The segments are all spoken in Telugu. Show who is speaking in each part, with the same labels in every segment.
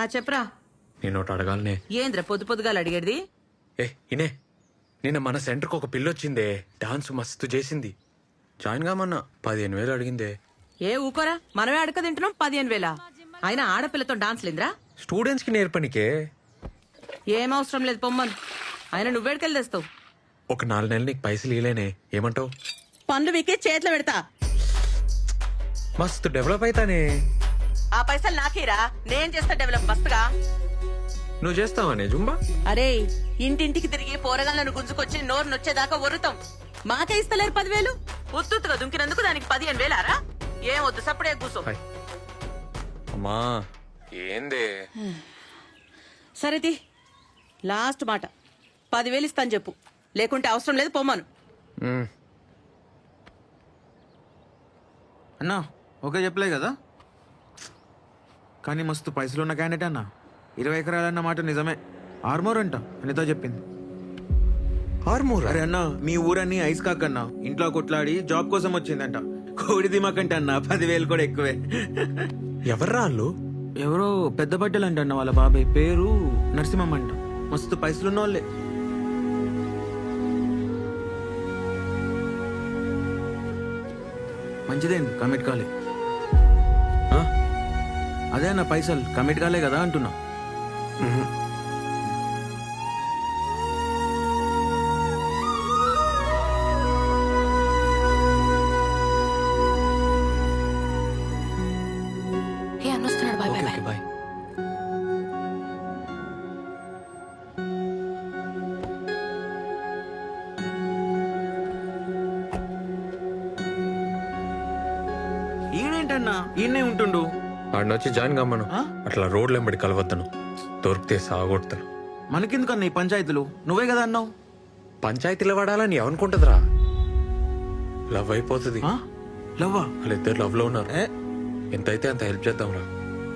Speaker 1: చెప్పరా.
Speaker 2: నేను ఒకటి అడగాలనే.
Speaker 1: ఏంద్ర పొద్దు పొద్దుగాల అడిగేది?
Speaker 2: ఇనే నిన్న మన సెంటర్కి ఒక పిల్లొచ్చిందే, డాన్స్ మస్తు చేసింది. జాయిన్ కామన్నా 15,000 అడిగిందే.
Speaker 1: ఊకోరా, మనమే అడక తింటున్నాం. 15,000 అయినా ఆడపిల్లతో డాన్స్ లేదురా.
Speaker 2: స్టూడెంట్స్ కి నేర్పనికే.
Speaker 1: ఏం అవసరం లేదు, పొమ్మను. అయినా నువ్వేడికెళ్ళి తెస్తావు?
Speaker 2: ఒక 4 నెలలు నీకు పైసలు ఇలేనే, ఏమంటావు?
Speaker 1: పనులు వీకే చేతిలో పెడతా.
Speaker 2: మస్తు డెవలప్ అవుతానే.
Speaker 1: ఆ పైసలు నాకేరా, నేను చేస్తా డెవలప్ మస్తుగా.
Speaker 2: నువ్వు చేస్తావానే జుంబా?
Speaker 1: అరే, ఇంటింటికి తిరిగి పోరగాళ్ళను గుంజుకొచ్చి నోరు నొచ్చేదాకా ఒరుతాం. మాకే ఇస్తలేరు 10,000. ఉత్తుగా దుంకినందుకు దానికి 15,000రా? ఏం వద్దు, సప్పుడే కూసో.
Speaker 2: అమ్మా ఏందే?
Speaker 1: సరేది, లాస్ట్ మాట. 10,000 ఇస్తాను చెప్పు, లేకుంటే అవసరం లేదు, పొమ్మను.
Speaker 3: అన్నా ఓకే చెప్పలే కదా, కానీ మస్తు పైసలు ఉన్న క్యాండిడేట్ అన్న. 20 ఎకరాలన్న మాట నిజమే. ఆర్మోర్ అంట అనితో చెప్పింది.
Speaker 2: ఆర్మూర్?
Speaker 3: అరే అన్న, మీ ఊరన్నీ ఐస్ కాకన్నా ఇంట్లో కొట్లాడి జాబ్ కోసం వచ్చిందంట. కోడి దిమాకంటే అన్న 10,000 కూడా ఎక్కువే.
Speaker 2: ఎవర్రా వాళ్ళు?
Speaker 3: ఎవరో పెద్ద బట్టలు అంట అన్న, వాళ్ళ బాబాయ్ పేరు నరసింహం అంట. మస్తు పైసలున్న వాళ్ళే. మంచిదేం కమిట్ కాలే. అదే అన్న, పైసలు కమిట్ కాలే కదా అంటున్నా.
Speaker 4: అన్నొస్తున్నాడు. Bye bye bye.
Speaker 2: బాయ్.
Speaker 3: ఈయనేంటన్నా ఈయనే ఉంటుండు?
Speaker 2: వాడిని వచ్చి జాయిన్ కమ్మను. అట్లా రోడ్లు వెంబడి కలవద్దను, దొరికితే సాగొడతాను.
Speaker 3: మనకెందుకన్నా ఈ పంచాయతీలు? నువ్వే కదా అన్నావు.
Speaker 2: పంచాయతీలో వాడాలని ఏమనుకుంటుందిరా? లవ్ అయిపోతుంది.
Speaker 3: లవ్వా?
Speaker 2: వాళ్ళిద్దరు లవ్ లో ఉన్నారు. ఎంతైతే అంత హెల్ప్ చేద్దాంరా.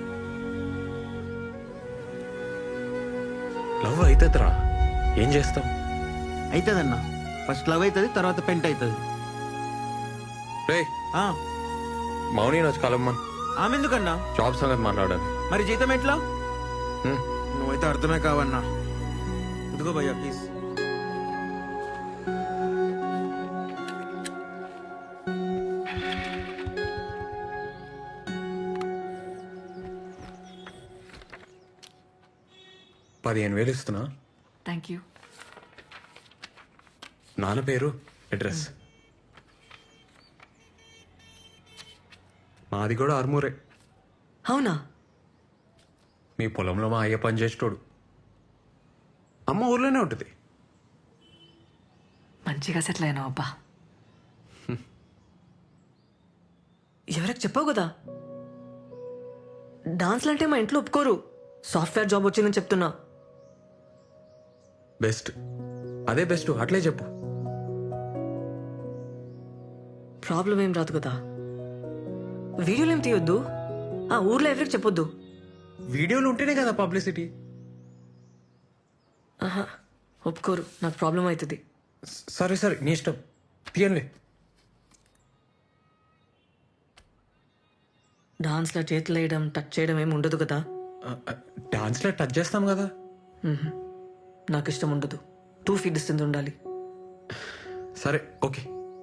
Speaker 2: లవ్ అవుతుందిరా, ఏం చేస్తాం?
Speaker 3: అవుతుందన్నా. ఫస్ట్ లవ్ అవుతుంది, తర్వాత పెంట్ అవుతుంది.
Speaker 2: రే మౌని వచ్చి కలమ్మన్.
Speaker 3: ఆమె ఎందుకన్నా?
Speaker 2: జాబ్ సంగతి మాట్లాడాలి.
Speaker 3: మరి జీతం ఎట్లా? నువ్వైతే అర్థమే కావన్నా. ఇదిగో భయ్యా ప్లీజ్.
Speaker 2: $15,000 ఇస్తున్నా.
Speaker 4: Thank you.
Speaker 2: నాన్న పేరు, అడ్రస్. మాది కూడా ఆర్మూరే.
Speaker 4: అవునా?
Speaker 2: మీ పొలంలో మా అయ్య పని చేసేటోడు. అమ్మ ఊర్లోనే ఉంటుంది.
Speaker 4: మంచిగా సెటిల్ అయినావు అబ్బా. ఎవరికి చెప్పావు కదా, డాన్స్లు అంటే మా ఇంట్లో ఒప్పుకోరు. సాఫ్ట్వేర్ జాబ్ వచ్చిందని చెప్తున్నా.
Speaker 2: బెస్ట్, అదే బెస్ట్, అట్లే చెప్పు.
Speaker 4: ప్రాబ్లం ఏం రాదు కదా. వీడియోలు ఏం తీయొద్దు, ఆ ఊర్లో ఎవరికి చెప్పొద్దు.
Speaker 2: వీడియోలు ఉంటేనే కదా పబ్లిసిటీ.
Speaker 4: ఆహా, ఒప్పుకోరు, నాకు ప్రాబ్లం అవుతుంది.
Speaker 2: సరే సరే, నీ ఇష్టం, తీయండి.
Speaker 4: డాన్స్లో చేతులు వేయడం, టచ్ చేయడం ఏమి ఉండదు కదా.
Speaker 2: డాన్స్లో టచ్ చేస్తాం కదా.
Speaker 4: నాకు ఇష్టం ఉండదు. 2 feet డిస్టెన్స్ ఉండాలి.
Speaker 2: సరే ఓకే.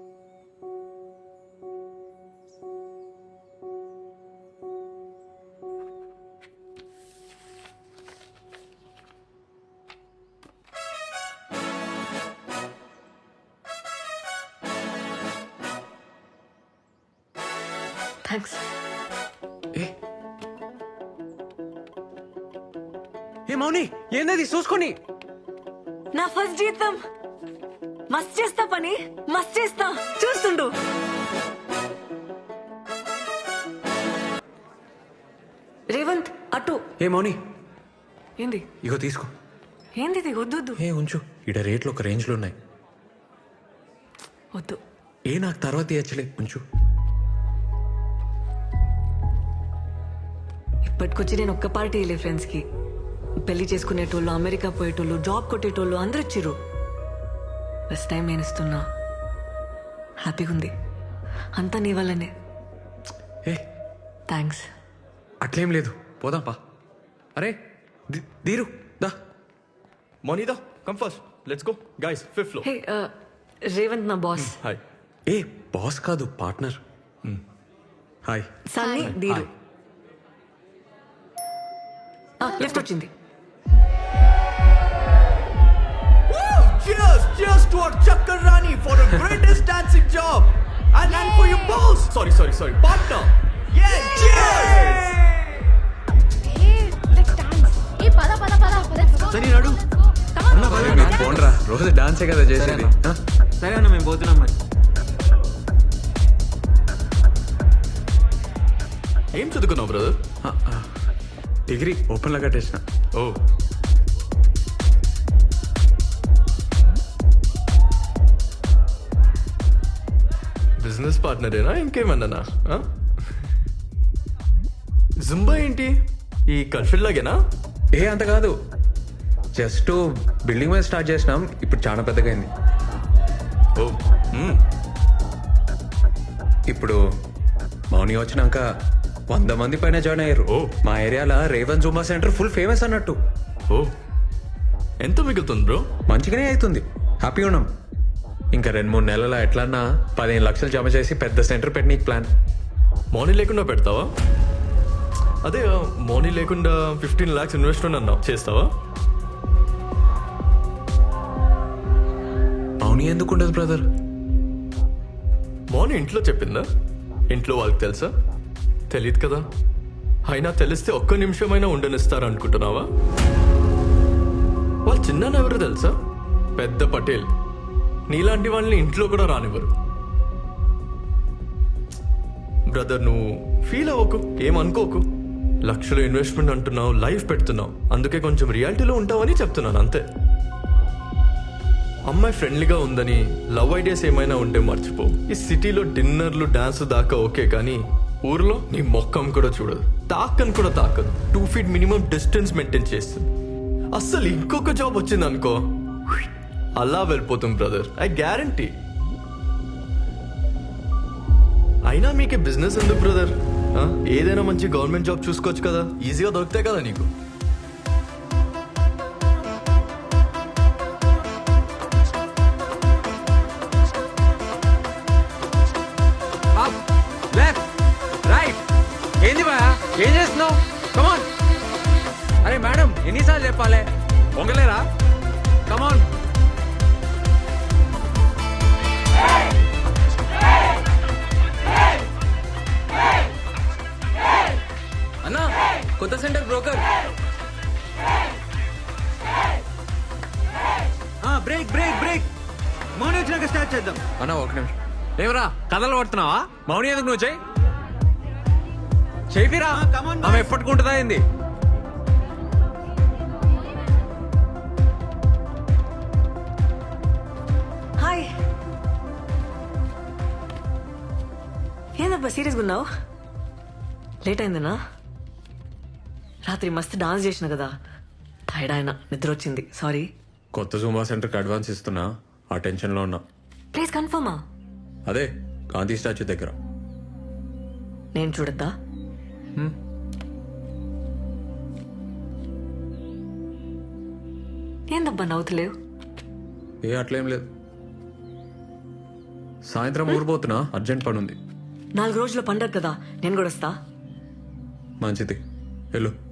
Speaker 4: థ్యాంక్స్.
Speaker 2: ఏ మౌని, ఏందది చూసుకొని?
Speaker 4: నా ఫస్ట్ జీతం. మస్త్ చేస్తా పని, మస్త్ చేస్తా, చూస్తుండు. రేవంత్ అటు.
Speaker 2: ఏ మౌని,
Speaker 4: ఏంది?
Speaker 2: ఇగో తీసుకో.
Speaker 4: ఏంది ఇది? వద్దు వద్దు
Speaker 2: ఏ ఉంచు, ఇడ రేట్లు ఒక రేంజ్లో ఉన్నాయి.
Speaker 4: వద్దు.
Speaker 2: నాకు తర్వాత ఇచ్చలే, ఉంచు.
Speaker 4: ఇప్పటికొచ్చి నేను ఒక్క పార్టీ వెళ్ళే ఫ్రెండ్స్కి. పెళ్లి చేసుకునేటోళ్ళు, అమెరికా పోయేటోళ్ళు, జాబ్ కొట్టేటోళ్ళు అందరు ఇచ్చిర్రు. ఫస్ట్ టైం నేను ఇస్తున్నా. హ్యాపీగా ఉంది. అంతా నీ వల్లనే.
Speaker 2: ఏ
Speaker 4: థ్యాంక్స్.
Speaker 2: అట్లేం లేదు, పోదాంపా. అరే దీరు దా
Speaker 5: Monida, come first. Let's go. Guys, 5th floor.
Speaker 4: హే రేవంత్ నా బాస్
Speaker 5: Hi.
Speaker 2: ఏ బాస్ కాదు పార్ట్నర్ హాయ్
Speaker 4: సన్నీ దీరు లిఫ్ట్ వచ్చింది.
Speaker 5: Cheers! Cheers to our Chakarani for the greatest dancing job! And for your boss! Sorry. Partner! Yeah! Cheers!
Speaker 3: సరే నడు అన్న, పద.
Speaker 2: మీరు పోండ్రా రోజు డాన్సే కదా చేసేది ఆ?
Speaker 3: సరే అన్న మేము పోతున్నాం మరి.
Speaker 5: ఏం చదువుకున్నావు బ్రదర్?
Speaker 2: డిగ్రీ ఓపెన్లో కట్టేసిన
Speaker 5: ఓ బిజినెస్ పార్ట్నరేనా ఇంకేమన్నానా? జుంబా ఏంటి ఈ కన్ఫిల్ లాగేనా?
Speaker 2: ఏ అంత కాదు, జస్ట్ బిల్డింగ్ మీద స్టార్ట్ చేసినాం, ఇప్పుడు చాలా పెద్దగా అయింది.
Speaker 5: ఓ
Speaker 2: ఇప్పుడు మౌని వచ్చినాక 100 మంది పైన జాయిన్ అయ్యారు.
Speaker 5: ఓ.
Speaker 2: మా ఏరియాలో Revanth Zumba centre full famous అన్నట్టు.
Speaker 5: ఓ ఎంత మిగులుతుంది బ్రో?
Speaker 2: మంచిగానే అవుతుంది, హ్యాపీగా ఉన్నాం. ఇంకా 2-3 నెలల ఎట్లన్నా 15 లక్షలు జమ చేసి పెద్ద సెంటర్ పెట్టనీకి ప్లాన్.
Speaker 5: మౌనీ లేకుండా పెడతావా? అదే మౌనీ లేకుండా 15 lakhs ఇన్వెస్ట్మెంట్ అన్నావు, చేస్తావా?
Speaker 2: మౌని ఎందుకు ఉండదు బ్రదర్?
Speaker 5: మౌనీ ఇంట్లో చెప్పిందా? ఇంట్లో వాళ్ళకి తెలుసా? తెలియదు కదా. అయినా తెలిస్తే ఒక్క నిమిషమైనా ఉండనిస్తారు అనుకుంటున్నావా? వాళ్ళ చిన్న ఎవరు తెలుసా? పెద్ద పటేల్. నీలాంటి వాళ్ళని ఇంట్లో కూడా రానివ్వరు. బ్రదర్ నువ్వు ఫీల్ అవ్వకు, ఏమనుకోకు. లక్షలు ఇన్వెస్ట్మెంట్ అంటున్నావు, లైఫ్ పెడుతున్నావు, అందుకే కొంచెం రియాలిటీలో ఉంటావని చెప్తున్నాను అంతే. అమ్మాయి ఫ్రెండ్లీగా ఉందని లవ్ ఐడియాస్ ఏమైనా ఉంటే మర్చిపో. ఈ సిటీలో డిన్నర్లు డాన్స్ దాకా ఓకే, కానీ ఊర్లో నీ మొక్కం కూడా చూడదు, తాకని కూడా తాకదు. 2 feet మినిమం డిస్టెన్స్ మెయింటైన్ చేస్తుంది. అస్సలు ఇంకొక జాబ్ వచ్చింది అనుకో, అలా వెళ్ళిపోతుంది బ్రదర్, ఐ గ్యారంటీ. అయినా మీకే బిజినెస్ ఎందుకు బ్రదర్? ఏదైనా మంచి గవర్నమెంట్ జాబ్ చూసుకోవచ్చు కదా, ఈజీగా దొరుకుతాయి కదా నీకు.
Speaker 2: ఏంది బా, ఏం చేస్తున్నావు? కమాన్. అరే మేడం ఎన్నిసార్లు చెప్పాలి, పొంగలేరా? కమాన్.
Speaker 6: అన్నా కొత్త centre broker.
Speaker 3: Break break break Mouni వచ్చినాక స్టార్ట్ చేద్దాం.
Speaker 2: అన్న ఒక నిమిషం. ఏమరా కథలు పడుతున్నావా? మౌని ఎందుకు నువ్వు చెయ్యి చెయ్యిరా.
Speaker 3: come on,
Speaker 2: ఆమె
Speaker 3: boys.
Speaker 2: ఎప్పటికుంటుందా ఏంది?
Speaker 4: హాయ్. ఏందబ్బా సీరియస్గా ఉన్నావు? లేట్ అయిందనా? రాత్రి మస్తు డాన్స్ చేసిన కదా, టైర్డ్ అయినా, నిద్ర వచ్చింది, సారీ.
Speaker 2: కొత్త జూంబా సెంటర్కి అడ్వాన్స్ ఇస్తున్నా, ఆ టెన్షన్లో ఉన్నా.
Speaker 4: ప్లీజ్ కన్ఫర్మా?
Speaker 2: అదే గాంధీ స్టాచ్యూ దగ్గర.
Speaker 4: నేను చూడద్దా? ఏందబ్బా నవ్వుతలేవు?
Speaker 2: ఏ అట్లేం లేదు, సాయంత్రం ఊరిపోతున్నా, అర్జెంట్ పని ఉంది.
Speaker 4: 4 రోజుల పండగ కదా, నేను కూడా వస్తా.
Speaker 2: మంచిది, వెళ్ళు.